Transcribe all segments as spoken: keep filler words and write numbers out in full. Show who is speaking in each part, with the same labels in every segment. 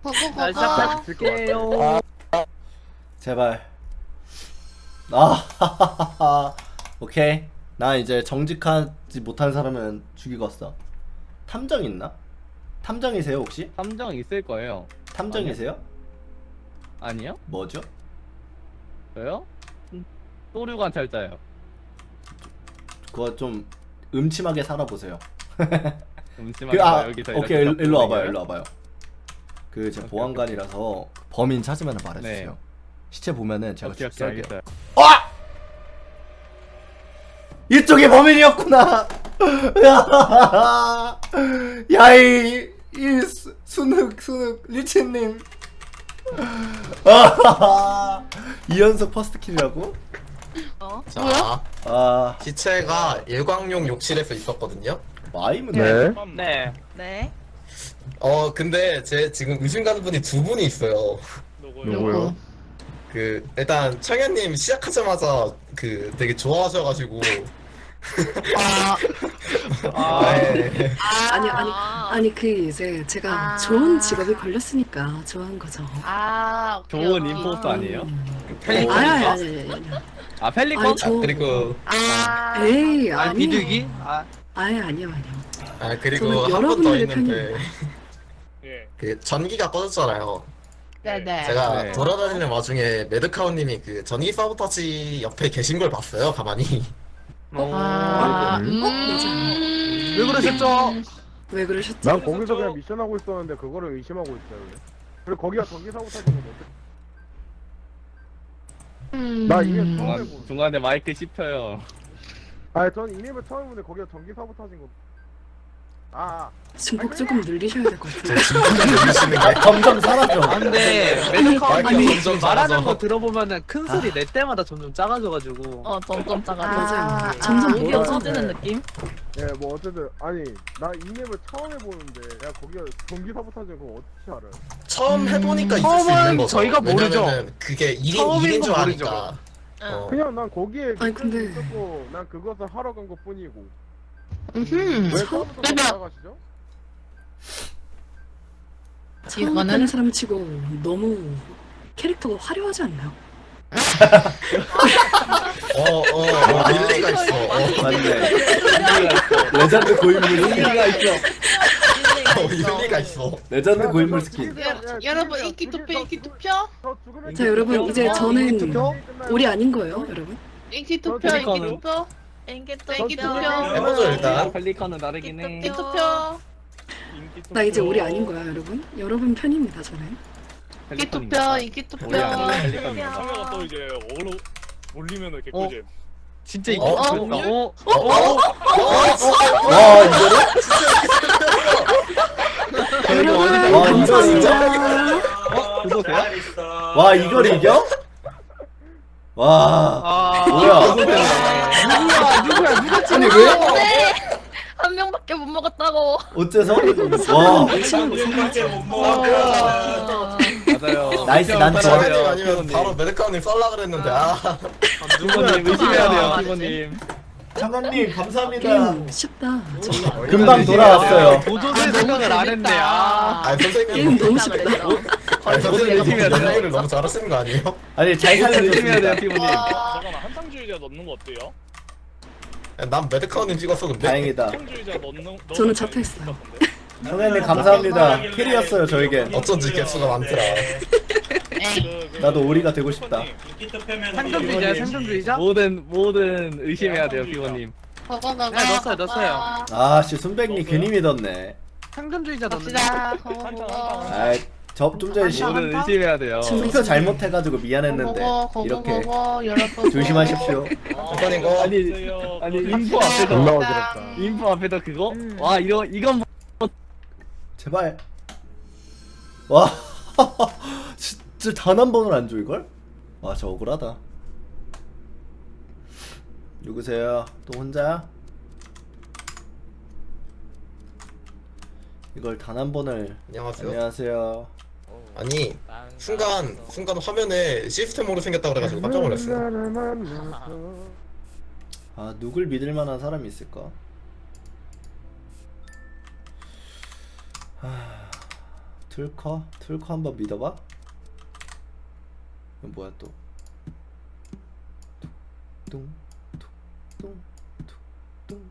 Speaker 1: 날 시작할
Speaker 2: 갈게요.
Speaker 3: 제발. 아, 오케이. 나 이제 정직하지 못한 사람은 죽이겠어. 탐정 있나? 탐정이세요 혹시?
Speaker 2: 탐정 있을 거예요.
Speaker 3: 탐정이세요?
Speaker 2: 아니요?
Speaker 3: 뭐죠?
Speaker 2: 저요? 음, 또류 관찰자요.
Speaker 3: 그거 좀 음침하게 살아보세요.
Speaker 2: 음침하게
Speaker 3: 그, 아,
Speaker 2: 여기서
Speaker 3: 오케이.
Speaker 2: 이렇게
Speaker 3: 일로, 일로 와봐요.
Speaker 2: 잡고
Speaker 3: 일로 와봐요. 그 제
Speaker 2: 오케이,
Speaker 3: 보안관이라서 범인 찾으면 말해주세요.
Speaker 2: 네.
Speaker 3: 시체 보면은 제가
Speaker 2: 오케이, 오케이,
Speaker 3: 죽살게요.
Speaker 2: 알겠어요.
Speaker 3: 아! 이쪽이 범인이었구나. 야이 이 수- 순흑 순흑 리치님. 이연속 퍼스트 킬이라고?
Speaker 1: 어?
Speaker 4: 자,
Speaker 3: 아
Speaker 4: 시체가 일광용 욕실에서 있었거든요.
Speaker 3: 마임은
Speaker 5: 네.
Speaker 1: 네.
Speaker 6: 네.
Speaker 4: 어, 근데 제 지금 의심 가는 분이 두 분이 있어요.
Speaker 5: 누구요?
Speaker 4: 그 일단 청현님 시작하자마자 그 되게 좋아하셔가지고.
Speaker 1: 아,
Speaker 4: 네.
Speaker 7: 아니 아니 아니 그 이제 제가
Speaker 6: 아.
Speaker 7: 좋은 직업이 걸렸으니까 좋아한 거죠.
Speaker 6: 아, 오케이,
Speaker 2: 좋은
Speaker 6: 오케이.
Speaker 2: 임포스터 아니에요?
Speaker 7: 음.
Speaker 4: 펠리컨.
Speaker 7: 아니 아니 아니 아니. 아니.
Speaker 2: 아 펠리컨?
Speaker 7: 아니, 저-
Speaker 4: 아, 그리고
Speaker 6: 아,
Speaker 7: 에이
Speaker 1: 아,
Speaker 7: 아니.
Speaker 1: 비둘기? 아,
Speaker 7: 아니 아니요 아니요.
Speaker 4: 아 그리고
Speaker 7: 저는
Speaker 4: 한 번 더
Speaker 7: 여러분들의
Speaker 4: 있는데
Speaker 1: 예.
Speaker 4: 그 전기가 꺼졌잖아요.
Speaker 6: 네네.
Speaker 4: 제가
Speaker 2: 네.
Speaker 4: 돌아다니는 와중에 매드카운님이 그 전기 사보타지 옆에 계신 걸 봤어요. 가만히.
Speaker 6: 아,
Speaker 5: 음.
Speaker 6: 음.
Speaker 1: 왜 그러셨죠?
Speaker 7: 왜 그러셨죠?
Speaker 5: 난 거기서 그냥 미션 하고 있었는데 그거를 의심하고 있어요. 그리고 거기가 전기 사고 타는 거 어때?
Speaker 6: 음.
Speaker 5: 나 이게 처음
Speaker 2: 중간,
Speaker 5: 해보는.
Speaker 2: 중간에 마이크 씹혀요.
Speaker 5: 아니 전 이맵을 처음 해보는데 거기가 전기 사고 타진 거. 아,
Speaker 7: 중복 조금 늘리셔야 될 것 같아요.
Speaker 4: 들리시는
Speaker 3: 아,
Speaker 4: 게.
Speaker 3: 점점 사라져.
Speaker 1: 안돼.
Speaker 4: 마이크
Speaker 1: 메디카운님
Speaker 4: 점점
Speaker 1: 말하는
Speaker 4: 작아져.
Speaker 1: 거 들어보면은 큰 소리 낼 때마다 점점 작아져가지고.
Speaker 6: 어, 점점 작아.
Speaker 7: 맞아요.
Speaker 6: 아,
Speaker 7: 점점
Speaker 6: 목이
Speaker 7: 멀어져.
Speaker 6: 없어지는 느낌?
Speaker 5: 예, 뭐 어쨌든 아니 나 이맵을 처음 해보는데 야 거기가 전기 사고 타진 거 어떻게 알아요?
Speaker 4: 처음 해보니까 있을 수
Speaker 1: 처음은
Speaker 4: 있는 거죠.
Speaker 1: 저희가 모르죠.
Speaker 4: 왜냐면은 그게 일인
Speaker 1: 처음인
Speaker 4: 일인 줄
Speaker 1: 건
Speaker 4: 아니까. 어.
Speaker 5: 그냥 난 거기에
Speaker 7: 아니,
Speaker 5: 미션이
Speaker 7: 근데-
Speaker 5: 있었고 난 그것을 하러 간 것 뿐이고.
Speaker 6: 음.
Speaker 5: 왜 처음부터
Speaker 6: 그러면-
Speaker 5: 나가시죠?
Speaker 7: 처음
Speaker 6: 이거는-
Speaker 7: 하는 사람 치고 너무 캐릭터가 화려하지 않나요?
Speaker 4: 어, 어, 어, 일리가 있어. 어,
Speaker 3: 맞네. 레전드 고인물 스킨.
Speaker 2: 의미가 있어.
Speaker 4: 어, 일리가 있어.
Speaker 3: 레전드 고인물
Speaker 5: 저
Speaker 3: 스킨.
Speaker 5: 죽이세요. 야,
Speaker 6: 여러분,
Speaker 5: 죽이세요.
Speaker 6: 인기 투표,
Speaker 5: 죽이-
Speaker 6: 인기
Speaker 5: 저
Speaker 6: 투표?
Speaker 5: 저 죽으면
Speaker 7: 자 여러분 이제
Speaker 1: 어,
Speaker 7: 저는
Speaker 1: 인기 투표?
Speaker 7: 우리 아닌 거예요, 여러분.
Speaker 6: 인기 투표,
Speaker 5: 저
Speaker 6: 인기
Speaker 2: 펠리컨은-
Speaker 6: 투표?
Speaker 8: 인기
Speaker 6: 인기
Speaker 8: 투표.
Speaker 6: 투표.
Speaker 4: 해보죠, 일단.
Speaker 2: 펠리컨은 다르긴 해.
Speaker 6: 인기 투표.
Speaker 7: 나 이제 우리 아닌 거야, 여러분. 여러분 편입니다, 저는.
Speaker 6: 인기 투표,
Speaker 2: 펠리컨입니다.
Speaker 6: 인기 투표.
Speaker 2: 우리 아니고 펠리컨입니다.
Speaker 9: 카메라 또 이제 올로 올리면은
Speaker 1: 어?
Speaker 9: 개꿀잼.
Speaker 1: 진짜 인기
Speaker 4: 어?
Speaker 1: 투표였다. 어?
Speaker 4: 어, 어,
Speaker 3: 와 이거를?
Speaker 2: 저희가 어디서
Speaker 3: 와 이거 진짜?
Speaker 2: 어? 그거세요?
Speaker 3: 와 이걸 이겨? 와
Speaker 1: 아,
Speaker 3: 뭐야?
Speaker 1: 누구야, 누구야, 누가
Speaker 3: 아니 왜?
Speaker 6: 한 명밖에 못 먹었다고.
Speaker 3: 어째서? 와
Speaker 2: 맞아요.
Speaker 3: 나이스, 난 좋아.
Speaker 4: 청현님 아니면 바로 매드카운님 썰라 그랬는데, 아.
Speaker 2: 피버님 의심해야 돼요,
Speaker 6: 아,
Speaker 2: 피버님.
Speaker 3: 장관님 감사합니다.
Speaker 7: 게임 쉽다. 정말.
Speaker 3: 금방 돌아왔어요.
Speaker 1: 도저히 생각을 안 했네. 아.
Speaker 4: 아니, 선생님.
Speaker 7: 게임 너무 쉽다.
Speaker 4: 아니, 선생님,
Speaker 2: 열심히
Speaker 4: 너무
Speaker 2: 해야
Speaker 4: 연기를 너무 잘하시는 거 아니에요?
Speaker 3: 아니 잘
Speaker 2: 의심해야 돼요,
Speaker 3: 살려줬습니다.
Speaker 2: 피버님.
Speaker 9: 잠깐만 한탕주의자 넣는 거 어때요?
Speaker 4: 난 매드카운님 찍었어, 근데.
Speaker 3: 다행이다.
Speaker 9: 한탕주의자 넣는 넣으면
Speaker 7: 저는 잡혀 있어요.
Speaker 3: 성현님 감사합니다. 캐리였어요 저에겐.
Speaker 4: 어쩐지 개수가 많더라.
Speaker 9: 그,
Speaker 3: 나도 오리가 되고 싶다.
Speaker 1: 상점주의자, 상점주의자?
Speaker 2: 모든 모든 의심해야 돼요, 피버님.
Speaker 6: 저거 저거.
Speaker 1: 네, 넣었어요, 넣었어요.
Speaker 3: 아씨 순백님 괜히 믿었네.
Speaker 1: 상점주의자 넣는
Speaker 6: 갑시다. 저거
Speaker 9: 한탕
Speaker 6: 먹어.
Speaker 9: 한탕.
Speaker 3: 아이 저좀 전에 시-
Speaker 2: 모든 의심해야 돼요.
Speaker 3: 투표 잘못해가지고 미안했는데
Speaker 6: 먹어, 거거
Speaker 3: 이렇게
Speaker 6: 먹어, 여러분.
Speaker 3: 조심하십시오.
Speaker 4: 선생님, 이거.
Speaker 2: 아니 아니 인포
Speaker 5: 존나
Speaker 2: 앞에서
Speaker 5: 어지럽다.
Speaker 2: 인포 앞에서 그거? 와 이거 이건
Speaker 3: 제발. 와 진짜 단 한 번을 안 줘 이걸? 와 저 억울하다. 누구세요? 또 혼자야? 이걸 단 한 번을.
Speaker 4: 안녕하세요.
Speaker 3: 안녕하세요.
Speaker 4: 아니, 순간, 순간 화면에 시스템으로 생겼다 그래가지고 깜짝 놀랐어요.
Speaker 5: 나를 만나서
Speaker 3: 아 누굴 믿을 만한 사람이 있을까? 하... 툴커 툴커 한번 믿어봐. 이건 뭐야 또? 뚱뚱뚱뚱뚱.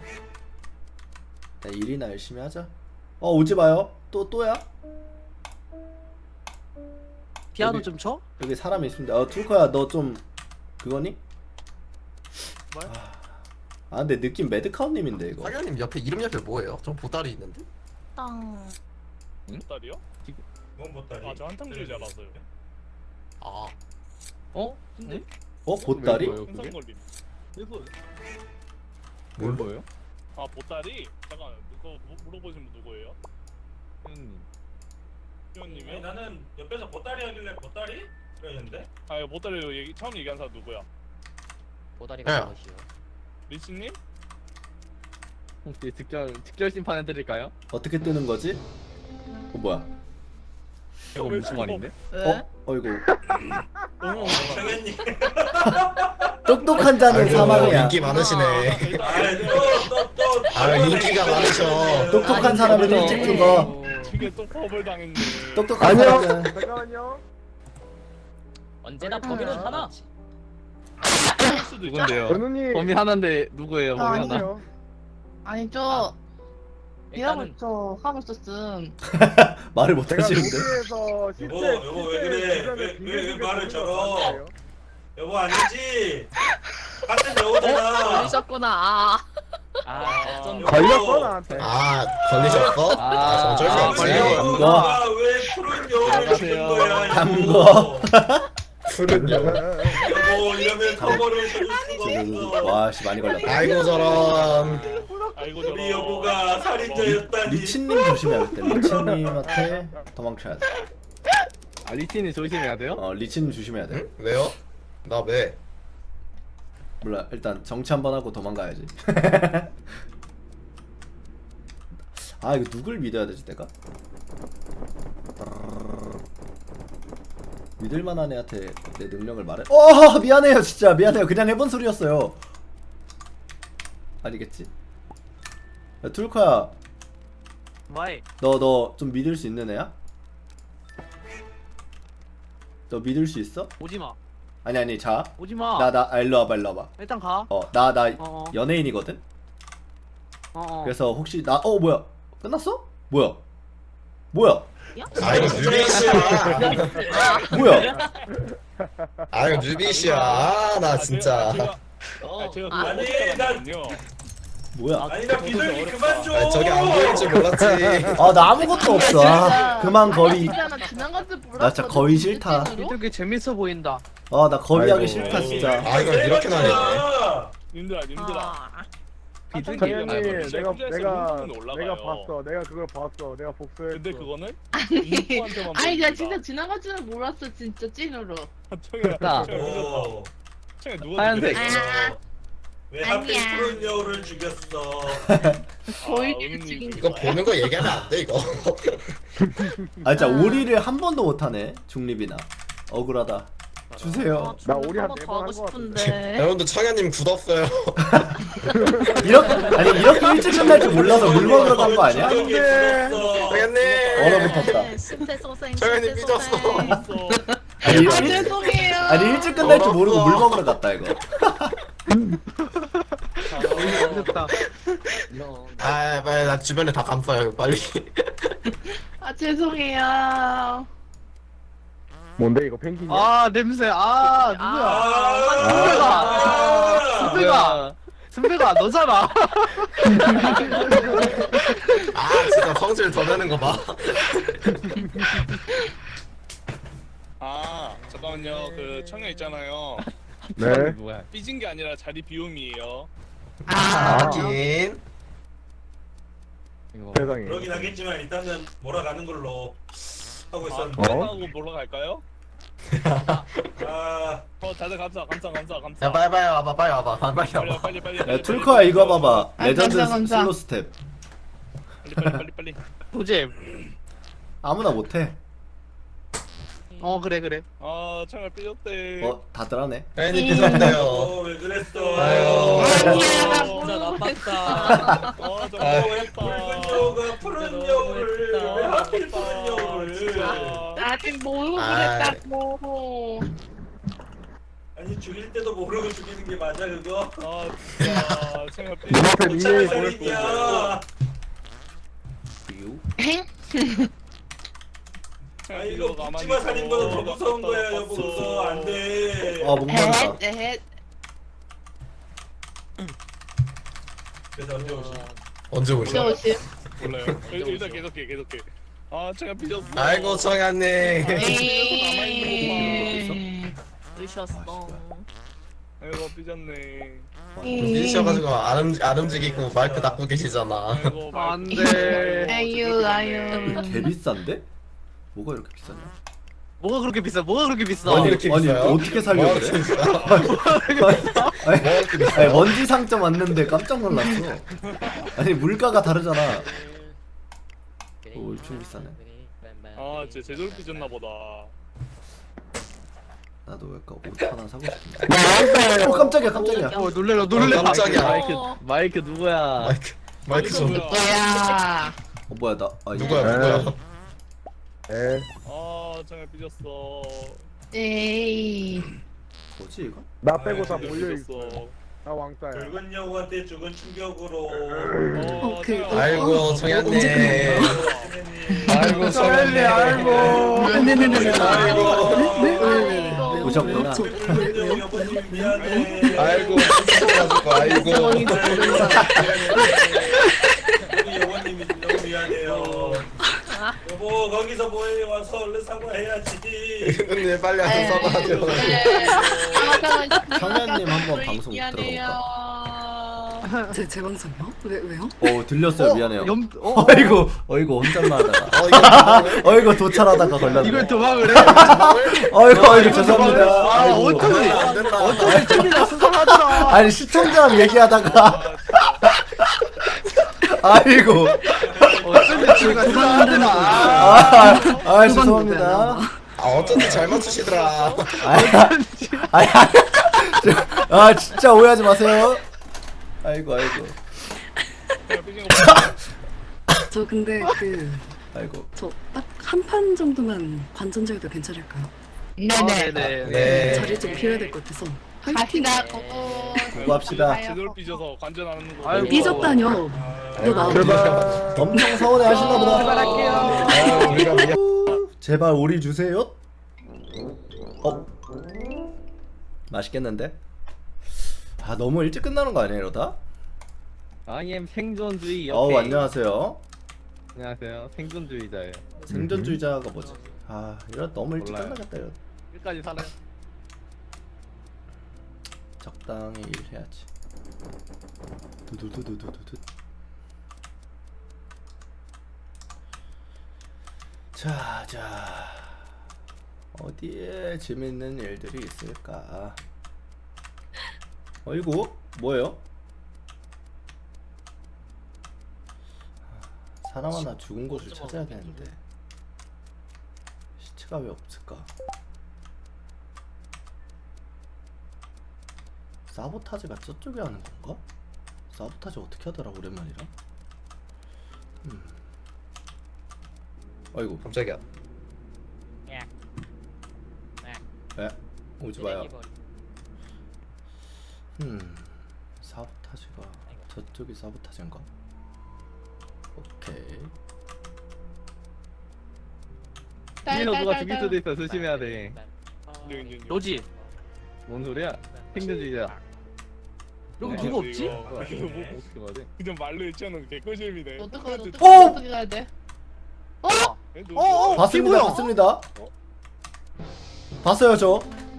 Speaker 3: 나 일이나 열심히 하자. 어 오지 마요. 또 또야?
Speaker 1: 피아노
Speaker 3: 여기-
Speaker 1: 좀 쳐?
Speaker 3: 여기 사람이 있습니다. 어 툴커야 너 좀 그거니?
Speaker 1: 뭘?
Speaker 3: 아 근데 느낌 매드카운님인데 이거.
Speaker 4: 사장님 옆에 이름 옆에 뭐예요? 저 보따리 있는데?
Speaker 6: 땅.
Speaker 9: 보따리요?
Speaker 8: 뭔 보따리?
Speaker 9: 아 저 한탕주의자라서요.
Speaker 4: 아
Speaker 2: 어? 근데?
Speaker 3: 어 보따리?
Speaker 2: 뭐예요, 그게?
Speaker 9: 현상 걸림.
Speaker 2: 뭘 보여요?
Speaker 9: 아 보따리? 잠깐 그거 무- 물어보신 분 누구예요?
Speaker 2: 형님.
Speaker 8: 아니,
Speaker 9: 희원님이요?
Speaker 8: 나는 옆에서 보따리 하길래 보따리? 그랬는데?
Speaker 9: 아 이거 보따리 얘기 처음 얘기한 사람 누구야?
Speaker 4: 보따리가
Speaker 8: 네.
Speaker 4: 무엇이요?
Speaker 9: 리치님?
Speaker 2: 혹시 특별 특별 심판 해드릴까요?
Speaker 3: 어떻게 뜨는 거지? 어 뭐야?
Speaker 2: 이거 무슨 말인데?
Speaker 6: 왜?
Speaker 3: 어? 어이구
Speaker 9: 어머
Speaker 8: 정현님.
Speaker 3: 똑똑한 자는
Speaker 4: 아이고,
Speaker 3: 사망이야.
Speaker 4: 인기 많으시네.
Speaker 8: 아이 또또또
Speaker 4: 아, 인기가 많으셔.
Speaker 3: 똑똑한 사람은 일찍 죽어.
Speaker 9: 이게 또 법을 당했네.
Speaker 3: 똑똑한
Speaker 5: 아니요.
Speaker 3: 사람은
Speaker 5: 잠깐만요.
Speaker 6: 언제나 범인은 하나.
Speaker 9: 할 수도 있죠.
Speaker 2: 누군데요?
Speaker 5: 연우님.
Speaker 2: 범인 하나인데 누구예요? 범인 하나?
Speaker 5: 아니요.
Speaker 6: 아니 저 일하고 저 하고 있었음.
Speaker 3: 말을 못
Speaker 5: 제가
Speaker 3: 하시는데.
Speaker 5: 도시에서 실제
Speaker 8: 여보, 여보, 왜 그래? 왜- 왜- 왜 말을 저러? 여보 아니지? 같은 여우잖아.
Speaker 6: 걸리셨구나. 아.
Speaker 9: 아,
Speaker 8: 여보.
Speaker 5: 걸렸어 나한테.
Speaker 4: 아 걸리셨어? 아, 어쩔 수
Speaker 2: 아,
Speaker 4: 없지.
Speaker 2: 걸려.
Speaker 8: 여보가 왜 푸른 여우를 죽인 거야?
Speaker 3: 담궈.
Speaker 4: 푸른 여.
Speaker 8: 여보 이러면 커버를 쳐줄 수가
Speaker 3: 지금
Speaker 8: 없어.
Speaker 3: 와씨 많이 걸렸다.
Speaker 4: 아이고 저런.
Speaker 9: 아이고
Speaker 8: 우리 여보가
Speaker 3: 리,
Speaker 8: 살인자였다니.
Speaker 3: 리치님 조심해야겠다. 리치님한테 도망쳐야 돼.
Speaker 2: 아 리치는 조심해야 돼요?
Speaker 3: 어 리치님 조심해야 돼.
Speaker 4: 응? 왜요? 나 왜?
Speaker 3: 몰라 일단 정치 한번 하고 도망가야지. 아 이거 누굴 믿어야 되지 내가? 믿을만한 애한테 내 능력을 말해? 어 미안해요 진짜 미안해요 그냥 해본 소리였어요. 아니겠지? 야 툴커야
Speaker 1: 와이.
Speaker 3: 너 너 좀 믿을 수 있는 애야? 너 믿을 수 있어?
Speaker 1: 오지 마.
Speaker 3: 아니 아니 자
Speaker 1: 오지 마.
Speaker 3: 나 나 아, 일로 와봐 일로 와봐.
Speaker 1: 일단 가.
Speaker 3: 어 나 나
Speaker 1: 어.
Speaker 3: 연예인이거든?
Speaker 1: 어. 어.
Speaker 3: 그래서 혹시 나 어 뭐야 끝났어? 뭐야 뭐야
Speaker 4: 아 이거 뉴비씨야.
Speaker 3: 뭐야
Speaker 4: 아 이거 뉴비씨야. 아, 나 진짜.
Speaker 9: 제가, 아, 제가 그거
Speaker 8: 아니,
Speaker 9: 어떡하냐면요.
Speaker 3: 뭐야
Speaker 8: 아니 나 비둘기 그만 줘.
Speaker 4: 아, 저게 안 보일 줄 몰랐지.
Speaker 3: 아 나 아무것도 없어 아, 그만 거의
Speaker 6: 진짜 나 지나간 줄 몰랐어.
Speaker 3: 나 진짜 거의 싫다.
Speaker 1: 이렇게 재밌어 보인다.
Speaker 3: 아 나 거의 하기
Speaker 5: 아이고.
Speaker 3: 싫다 진짜.
Speaker 4: 아 이거 이렇게 나뉘네.
Speaker 9: 님들아 님들아.
Speaker 6: 아.
Speaker 9: 비둘기
Speaker 5: 정현님
Speaker 9: 얘기하면
Speaker 5: 내가
Speaker 9: 혼자 있으면
Speaker 5: 내가
Speaker 9: 혼자는 올라가요.
Speaker 5: 내가 봤어. 내가 그걸 봤어. 내가 복수했어.
Speaker 9: 근데 그거는
Speaker 6: 아니,
Speaker 9: 인포한테만
Speaker 6: 아니 나
Speaker 9: 보여줍니다.
Speaker 6: 진짜 지나간 줄은 몰랐어 진짜 찐으로.
Speaker 9: 청이야
Speaker 2: 됐다.
Speaker 9: 청이야 늦었다.
Speaker 8: 오.
Speaker 9: 청이야 누가
Speaker 2: 하얀색.
Speaker 6: 아.
Speaker 8: 왜 하필
Speaker 6: 아니야.
Speaker 8: 푸른 여우를 죽였어?
Speaker 6: 보이게
Speaker 9: 아,
Speaker 6: 죽인
Speaker 4: 이거
Speaker 6: 거야.
Speaker 4: 보는 거 얘기하면 안 돼 이거.
Speaker 3: 아 진짜 오리를 한 번도 못하네 중립이나. 억울하다. 주세요.
Speaker 5: 나 오리 한
Speaker 6: 한번
Speaker 5: 네
Speaker 6: 더
Speaker 5: 번
Speaker 6: 하고
Speaker 5: 한 거 같은데.
Speaker 6: 싶은데.
Speaker 4: 여러분들 청현님 굳었어요.
Speaker 3: 이렇게 아니 이렇게 일찍 끝날 줄 몰라서 물 먹으러 간 거 아니야?
Speaker 8: 안돼.
Speaker 4: 청현님.
Speaker 3: 얼어붙었다.
Speaker 6: 심폐소생.
Speaker 4: 청현님
Speaker 6: 심폐소생.
Speaker 9: 있어.
Speaker 3: 아니, 일,
Speaker 6: 아 죄송해요.
Speaker 3: 아니 일찍 끝날 줄 모르고 물 먹으러 갔다 이거.
Speaker 1: 됐다.
Speaker 4: 아 빨리 나 주변에 다 감싸요 빨리.
Speaker 6: 아 죄송해요.
Speaker 5: 뭔데 이거 펭귄이야?
Speaker 1: 아 냄새. 아 누구야?
Speaker 8: 아,
Speaker 1: 승배가. 승배가 너잖아.
Speaker 4: 아 진짜 성질 더 내는 거 봐.
Speaker 9: 아 잠깐만요. 그 청년 있잖아요.
Speaker 5: 네.
Speaker 2: 누구야?
Speaker 9: 삐진 게 아니라 자리 비움이에요.
Speaker 6: 아.
Speaker 4: 하긴.
Speaker 2: 이거
Speaker 5: 세상에.
Speaker 8: 그러긴 하겠지만 일단은 몰아가는 걸로 하고
Speaker 9: 아,
Speaker 8: 있었는데.
Speaker 5: 어?
Speaker 9: 하고 보러 갈까요?
Speaker 8: 아,
Speaker 9: 어 다들 감사 감사 감사 감사.
Speaker 4: 야 빨리 빨리 와봐 빨리 와봐 빨리
Speaker 9: 빨리
Speaker 4: 와봐.
Speaker 9: 빨리 빨리.
Speaker 3: 야
Speaker 9: 빨리,
Speaker 3: 툴커야
Speaker 9: 빨리,
Speaker 3: 이거
Speaker 9: 빨리,
Speaker 3: 봐봐.
Speaker 6: 아,
Speaker 3: 레전드
Speaker 6: 감사, 감사.
Speaker 3: 슬로 스텝.
Speaker 9: 빨리 빨리 빨리 빨리.
Speaker 1: 도잼.
Speaker 3: 아무나 못해.
Speaker 1: 어 그래 그래.
Speaker 9: 아 창을 삐졌대.
Speaker 3: 어 다들 하네.
Speaker 4: 괜히 삐졌네요.
Speaker 8: 어, 왜 그랬어?
Speaker 4: 아유.
Speaker 6: 아니야
Speaker 9: 진짜
Speaker 6: 나
Speaker 9: 나빴다. 어 진짜
Speaker 4: 아유.
Speaker 9: 너무했다.
Speaker 8: 붉은 여우가 푸른 여우를 왜 하필 푸른 여우를?
Speaker 6: 아직 모르고
Speaker 4: 아이.
Speaker 6: 그랬다고.
Speaker 8: 아니 죽일 때도 모르고 죽이는 게 맞아 그거?
Speaker 9: 아 진짜 창을
Speaker 5: 눈앞에
Speaker 9: 삐졌다.
Speaker 5: 닉네임
Speaker 8: 잘
Speaker 5: 보냈어.
Speaker 8: 살인이야. 아 이거 묻지마 살인보다 더 무서운 거야 여보 그거 안돼.
Speaker 3: 아 목말라.
Speaker 6: 에헷 에헷.
Speaker 8: 그래서 언제 오시?
Speaker 4: 언제 오셔?
Speaker 6: 오십.
Speaker 9: 몰라요. 일- 일단 계속해 계속해. 아 창을 삐졌어.
Speaker 4: 아이고 정한님.
Speaker 6: 에이. 늦었어.
Speaker 9: 아이고 삐졌네.
Speaker 4: 삐지셔가지고 안, 움, 안 움직이고 마이크 닫고 계시잖아.
Speaker 9: 아이고
Speaker 1: 안돼.
Speaker 6: 아유 아유.
Speaker 3: 개 비싼데? 뭐가 이렇게 비싸냐?
Speaker 1: 뭐가 그렇게 비싸? 뭐가 그렇게 비싸?
Speaker 4: 아니, 이렇게
Speaker 3: 아니
Speaker 4: 비싸요?
Speaker 3: 어떻게 살려
Speaker 4: 뭐가
Speaker 3: 그래?
Speaker 4: 이렇게
Speaker 3: 아니,
Speaker 4: 뭐가 이렇게
Speaker 3: 아니
Speaker 4: 비싸요?
Speaker 3: 먼지 상점 왔는데 깜짝 놀랐어. 아니 물가가 다르잖아. 오 엄청 비싸네.
Speaker 9: 아 진짜 제대로 삐졌나 보다.
Speaker 3: 나도 약간 옷 하나 사고 싶은데. 어 깜짝이야 깜짝이야.
Speaker 1: 어 놀래라 놀래라.
Speaker 4: 어, 깜짝이야.
Speaker 2: 마이크 마이크 누구야?
Speaker 4: 마이크 마이크 좀.
Speaker 9: 뭐야?
Speaker 6: 뭐야?
Speaker 3: 어 뭐야 나 아, 이거-
Speaker 4: 누구야 누구야?
Speaker 5: 에
Speaker 9: 아 창을 삐졌어.
Speaker 6: 에이.
Speaker 3: 뭐지 이거?
Speaker 5: 나 빼고 다
Speaker 9: 아,
Speaker 5: 몰려
Speaker 9: 삐졌어.
Speaker 5: 있어. 나 왕따야.
Speaker 8: 붉은 여우한테 죽은 충격으로.
Speaker 9: 어,
Speaker 7: 그-
Speaker 9: 창을-
Speaker 4: 아이고
Speaker 7: 언제
Speaker 4: 정한님.
Speaker 7: 끝나요?
Speaker 4: 아이고 정한님.
Speaker 1: 아이고.
Speaker 7: 네네네네.
Speaker 4: 아이고.
Speaker 7: 네네네.
Speaker 3: 오셨구나.
Speaker 7: 저
Speaker 8: 붉은 여우 여보님 미안해.
Speaker 4: 아이고 삐져가지고 아이고.
Speaker 8: 우리 여보님이 너무 미안해요. 여보 거기서 뭐해 와서 얼른 사과해야지.
Speaker 4: 왜 빨리 와서 써봐줘.
Speaker 3: 청년님 한번 방송
Speaker 7: 제, 제 방송이요? 왜, 왜요?
Speaker 3: 어 들렸어요 미안해요.
Speaker 1: 염 어?
Speaker 3: 어이구 어이구 혼잣말하다가
Speaker 4: 어 이거 뭐야?
Speaker 3: 어이구 도찰하다가 걸렸네.
Speaker 1: 이걸 도망을 해?
Speaker 3: 어이구 어이구 죄송합니다.
Speaker 1: 아
Speaker 3: 아이고.
Speaker 1: 어쩐지
Speaker 4: 안 된다.
Speaker 1: 어쩐지 쯤이나 수상하더라.
Speaker 3: 아니 시청자랑 얘기하다가 아이고
Speaker 1: 어쩐지 쯤이나 수상하더라.
Speaker 3: 아, 아 죄송합니다.
Speaker 4: 아 어쩐지 잘 맞추시더라.
Speaker 3: 아니 아 진짜 오해하지 마세요. 아이고 아이고
Speaker 9: 창을 삐진 거 봐.
Speaker 7: 저 근데 그,
Speaker 3: 아이고
Speaker 7: 저 딱 한 판 정도만 관전자여도 괜찮을까요?
Speaker 6: 네네.
Speaker 1: 네네.
Speaker 4: 네.
Speaker 7: 자리 좀 비워야 될 것 같아서. 화이팅!
Speaker 6: 갑시다 고고.
Speaker 3: 수고합시다.
Speaker 9: 제대로 삐져서 관전하는 거.
Speaker 1: 아이고.
Speaker 7: 삐졌다뇨. 너 나오고.
Speaker 5: 제발.
Speaker 3: 엄청 서운해 하시나 보다.
Speaker 1: 출발할게요.
Speaker 4: 아, 우리가 미안.
Speaker 3: 제발 오리 주세요. 어 맛있겠는데? 아 너무 일찍 끝나는 거 아니에요 이러다?
Speaker 2: 아이엠 생존주의 옆에.
Speaker 3: 어우 안녕하세요.
Speaker 2: 안녕하세요. 생존주의자예요.
Speaker 3: 생존주의자가 뭐지? 아 이러 너무 일찍
Speaker 2: 몰라요.
Speaker 3: 끝나겠다 이러.
Speaker 2: 끝까지 살아요.
Speaker 3: 적당히 일해야지. 두두두두두두. 자, 자. 어디에 재밌는 일들이 있을까? 어이구, 뭐예요? 사람 하나 죽은 곳을 찾아야 되는데 시체가 왜 없을까? 사보타지가 저쪽에 하는 건가? 사보타지 어떻게 하더라 오랜만이라? 음. 아이고
Speaker 4: 깜짝이야.
Speaker 3: 에? 오지마요. 음 사보타지가 저쪽이 사보타지인가? 오케이.
Speaker 2: 이거 누가 죽일 수도 있어. 조심해야 돼.
Speaker 1: 너지?
Speaker 2: 뭔 소리야? 생존주의자.
Speaker 1: 여기
Speaker 2: 네.
Speaker 1: 누가 없지?
Speaker 9: 이거
Speaker 2: 뭐야, 이거 뭐 어떻게 가야 돼?
Speaker 9: 그냥 말로 했잖아. 개꿀잼이네.
Speaker 6: 어떡해 어떡해
Speaker 3: 어!
Speaker 6: 어떻게 가야 돼?
Speaker 1: 어 어.
Speaker 3: 봤습니다,
Speaker 1: 피부요.
Speaker 3: 봤습니다. 봤어요 저.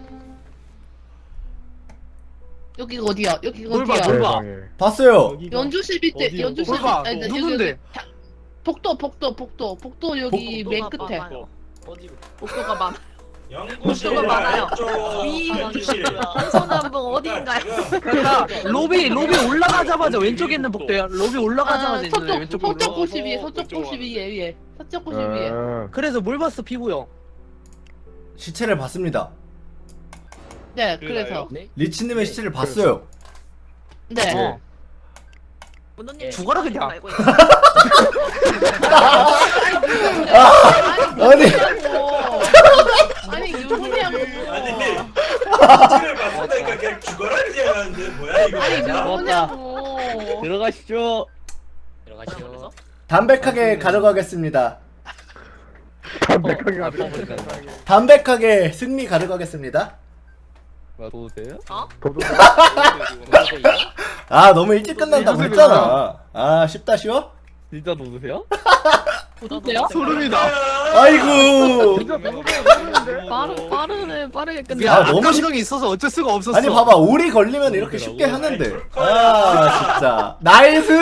Speaker 6: 여기가 어디야? 여기가
Speaker 1: 뭘 봐,
Speaker 6: 어디야?
Speaker 1: 뭘 봐.
Speaker 5: 세상에.
Speaker 3: 봤어요.
Speaker 6: 연주실 밑에
Speaker 2: 어디요?
Speaker 6: 연주실
Speaker 1: 뭘 봐.
Speaker 6: 밑에- 아니, 아니,
Speaker 1: 누군데?
Speaker 6: 여기 다- 복도 복도 복도 복도 여기 맨 끝에.
Speaker 10: 복도가 많아.
Speaker 8: 연구실
Speaker 10: 복도가 많아요.
Speaker 8: 왼쪽
Speaker 10: 위
Speaker 8: 연구실.
Speaker 10: 동서남북 어디인가요?
Speaker 1: 그러니까 로비 로비 올라가자마자 왼쪽에 있는 복도야. 로비 올라가자마자
Speaker 6: 아,
Speaker 1: 있는
Speaker 6: 서쪽
Speaker 1: 왼쪽으로.
Speaker 6: 서쪽 고시 위에 서쪽
Speaker 9: 왼쪽으로
Speaker 6: 고시 위에 위에 서쪽 고시
Speaker 5: 아.
Speaker 6: 위에.
Speaker 1: 그래서 뭘 봤어 피부 형?
Speaker 3: 시체를 봤습니다.
Speaker 6: 네, 그래서.
Speaker 3: 리치님의 시체를 봤어요.
Speaker 6: 네.
Speaker 1: 어.
Speaker 10: 문호님
Speaker 1: 죽어라, 그냥.
Speaker 10: 알고 있어.
Speaker 3: 아니
Speaker 6: 아니, 누구냐고.
Speaker 8: 아니 시체를 봤으니까 그냥 죽어라 그냥 하는데 뭐야 이거.
Speaker 6: 아니,
Speaker 8: 진짜.
Speaker 6: 누구냐고.
Speaker 2: 들어가시죠.
Speaker 9: 들어가시오.
Speaker 3: 담백하게 가져가겠습니다.
Speaker 5: 담백하게
Speaker 2: 어,
Speaker 5: 하자.
Speaker 2: 아빠보니까.
Speaker 3: 담백하게 승리 가져가겠습니다.
Speaker 2: 와도 돼요?
Speaker 5: 도도
Speaker 3: 아 너무 일찍 끝난다고 했잖아. 아 쉽다 쉬워?
Speaker 2: 진짜 도드세요?
Speaker 6: 어때요?
Speaker 1: 소름이다.
Speaker 3: 아이고.
Speaker 5: 진짜 도도인데?
Speaker 10: 빠르 빠르네 빠르게 끝내.
Speaker 3: 아,
Speaker 1: 야,
Speaker 3: 너무
Speaker 1: 너무
Speaker 3: 쉽-
Speaker 1: 감정이 있어서 어쩔 수가 없었어.
Speaker 3: 아니 봐봐 오리 걸리면 이렇게 쉽게 하는데. 아 진짜 나이스.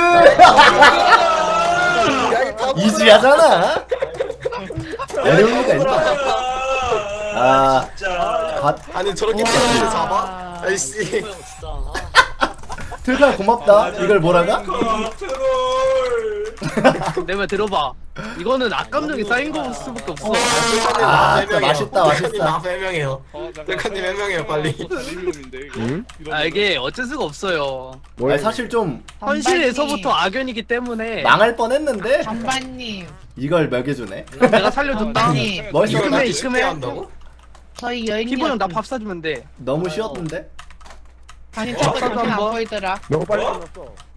Speaker 3: 이지하잖아. 어려운 리가 있나? 아
Speaker 8: 진짜.
Speaker 3: 밭
Speaker 4: 아니 저렇게 피아노를 잡아? 아이씨.
Speaker 3: 틀카 고맙다. 이걸 뭐라가?
Speaker 8: 컨트롤.
Speaker 1: 내 말 들어봐. 이거는 악감정이 쌓인 거 수밖에 없어.
Speaker 3: 아, 진짜 맛있다, 맛있다.
Speaker 4: 나 해명해요. 셀카님 해명해요 빨리.
Speaker 9: 리뷰인데 이거.
Speaker 5: 응?
Speaker 9: 이런
Speaker 1: 아
Speaker 9: 거.
Speaker 1: 이게 어쩔 수가 없어요.
Speaker 3: 아니, 사실 좀
Speaker 1: 현실에서부터 악연이기 때문에
Speaker 3: 망할 뻔했는데
Speaker 6: 반반님,
Speaker 3: 이걸 먹여주네.
Speaker 1: 내가 살려줬다.
Speaker 6: 반반님.
Speaker 3: 멋있었다.
Speaker 4: 이걸
Speaker 1: 이큼해,
Speaker 4: 이렇게 쉽게
Speaker 1: 이큼해.
Speaker 4: 한다고?
Speaker 6: 저희 여인님.
Speaker 1: 피부 형나 밥 사주면 돼.
Speaker 3: 너무 쉬웠던데.
Speaker 6: 아니, 자꾸
Speaker 1: 어,
Speaker 6: 정신 안
Speaker 1: 한번.
Speaker 6: 보이더라.
Speaker 5: 너무 빨리
Speaker 8: 어?
Speaker 5: 끝났어.